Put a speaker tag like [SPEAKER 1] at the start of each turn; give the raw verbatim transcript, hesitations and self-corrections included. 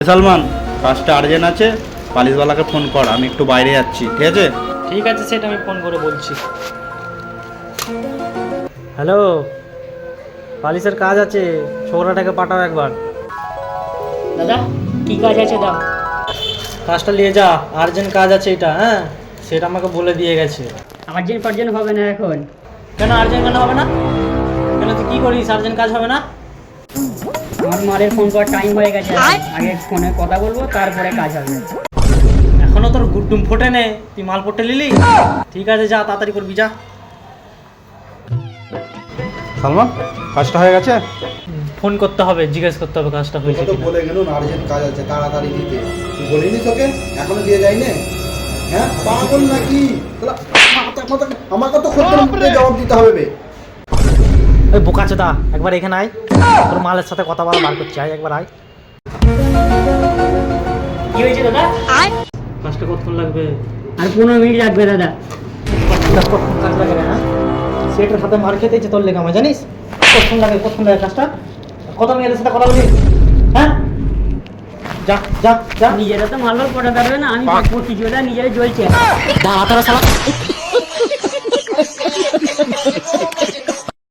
[SPEAKER 1] সালমান, কাজটা আর্জেন্ট আছে, পালিশওয়ালাকে ফোন কর, আমি একটু বাইরে যাচ্ছি, ঠিক আছে?
[SPEAKER 2] ঠিক আছে, সেটা আমি ফোন করে বলছি। হ্যালো, পালিশের কাজ আছে, ছোকরাটাকে পাঠাও একবার।
[SPEAKER 3] দাদা কি কাজ আছে দাও।
[SPEAKER 2] কাজটা নিয়ে যা, আর্জেন্ট কাজ আছে এটা। হ্যাঁ, সেটা আমাকে বলে দিয়ে গেছে।
[SPEAKER 3] আর্জেন্ট ফার্জেন্ট হবে না এখন।
[SPEAKER 2] কেন আর্জেন্ট কেন হবে না? কেন তুই কী করিস, আর্জেন্ট কাজ হবে না?
[SPEAKER 3] আমার মারের ফোন করার টাইম হয়ে গেছে, আগে ফোনে কথা বলবো তারপরে কাজ হবে।
[SPEAKER 2] এখনো তোর গুড্ডুম ফোটে নে, তুই মাল পটে নিলি? ঠিক আছে, যা তাড়াতাড়ি করবি, যা।
[SPEAKER 1] সালমান, কাজটা হয়ে গেছে?
[SPEAKER 2] ফোন করতে হবে, জিজ্ঞেস করতে হবে কাজটা হয়েছে
[SPEAKER 4] তো
[SPEAKER 2] কিনা।
[SPEAKER 4] বলে গেল আর্জেন্ট কাজ আছে, তাড়াতাড়ি দিতে। তুই বলিনি তোকে এখনো দিয়ে যায়নি? হ্যাঁ পাগল নাকি? শালা, মাথা- মাথা- আমাকে তো খদ্দের জবাব দিতে হবে বে।
[SPEAKER 2] ওই বোকাচোদা, একবার এখানে আয়, তোর মালের সাথে কথা বলা বার করছি, আয় একবার আয়।
[SPEAKER 3] কি হয়েছে দাদা?
[SPEAKER 2] কাজটা কতক্ষণ লাগবে?
[SPEAKER 3] আর পনেরো মিনিট লাগবে দাদা।
[SPEAKER 2] কাজ কতক্ষণ কাজ লাগে না? হ্যাঁ, সেটার সাথে মার খেতেছে তোর লেগে আমার, জানিস? কতক্ষণ লাগে, কতক্ষণ লাগে কাজটা? কত মেয়েদের সাথে কথা বলি? হ্যাঁ, যা যা যা।
[SPEAKER 3] নিজেরা তো মাল মাল পড়া পারবে না, আমি করছি, নিজেরা জ্বলছে।
[SPEAKER 2] দাঁড়া তারা শালা।